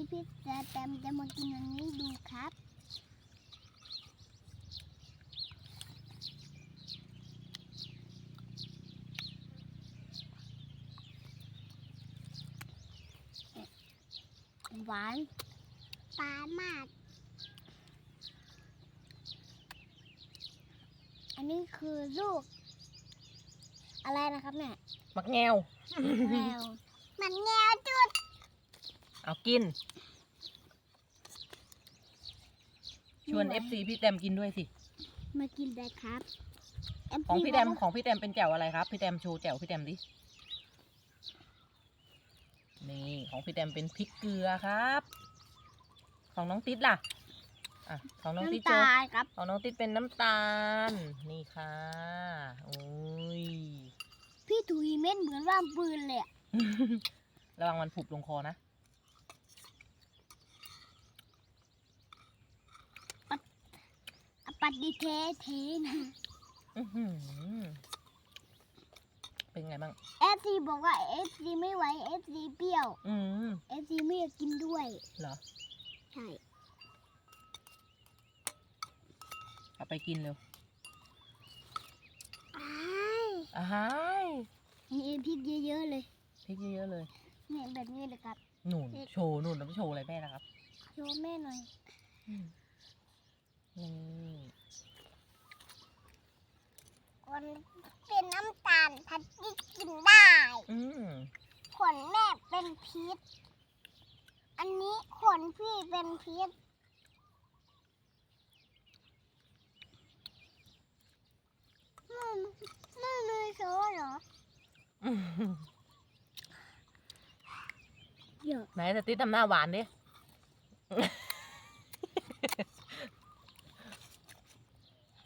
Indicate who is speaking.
Speaker 1: พี่แตมจะมากินอันนี้ดูครับหวานปลามากอันนี้คือลูกอะไรนะครับเนี่ย
Speaker 2: มักแงว
Speaker 1: แมวมันแงวจุด
Speaker 2: เอากิน ชวน FC พี่แตมกินด้วยสิ
Speaker 1: มากินได้ครับ
Speaker 2: ของพี่แตมเป็นแจ่วอะไรครับ พี่แตมโชว์แจ่วพี่แตมดิ นี่ของพี่แตมเป็นพริกเกลือครับ ของน้องติ๊ดล่ะ อ่ะของน้องติ๊ดโช
Speaker 1: น้ำ
Speaker 2: ว์
Speaker 1: ตาลครับ
Speaker 2: ของน้องติ๊ดเป็นน้ำตาล นี่ค่ะโอ้ย
Speaker 1: พี่ถุยเม็ดเหมือนว่างปืนเลยอะ
Speaker 2: ระวังมันผุบลงคอนะ
Speaker 1: ปัดดีเทนะ
Speaker 2: อื้อหือเป็นไงบ้าง
Speaker 1: FC บอกว่า FC ไม่ไหว FC เปรี้ยว
Speaker 2: อืม
Speaker 1: FC ไม่อยากกินด้วย
Speaker 2: เหรอ
Speaker 1: ใช่
Speaker 2: เอาไปกินเร็ว
Speaker 1: อ้าย
Speaker 2: อ้าย
Speaker 1: มีพริกเยอะๆเลย
Speaker 2: พริกเยอะๆเลย
Speaker 1: เนี่ยแบบนี้เลยครับ
Speaker 2: หนุนโชว์หนุนแล้วโชว์อะไรแม่นะครับ
Speaker 1: โชว์แม่หน่อย
Speaker 2: นี่
Speaker 1: คนเป็นน้ำตาลพัดที่กินได้
Speaker 2: อืม
Speaker 1: ขนแม่เป็นพิษ อันนี้ขนพี่เป็นพิษไม่มีโซ่เหรอเยอะ
Speaker 2: ไหนแต่ติ๊ดทำหน้าหวานดิ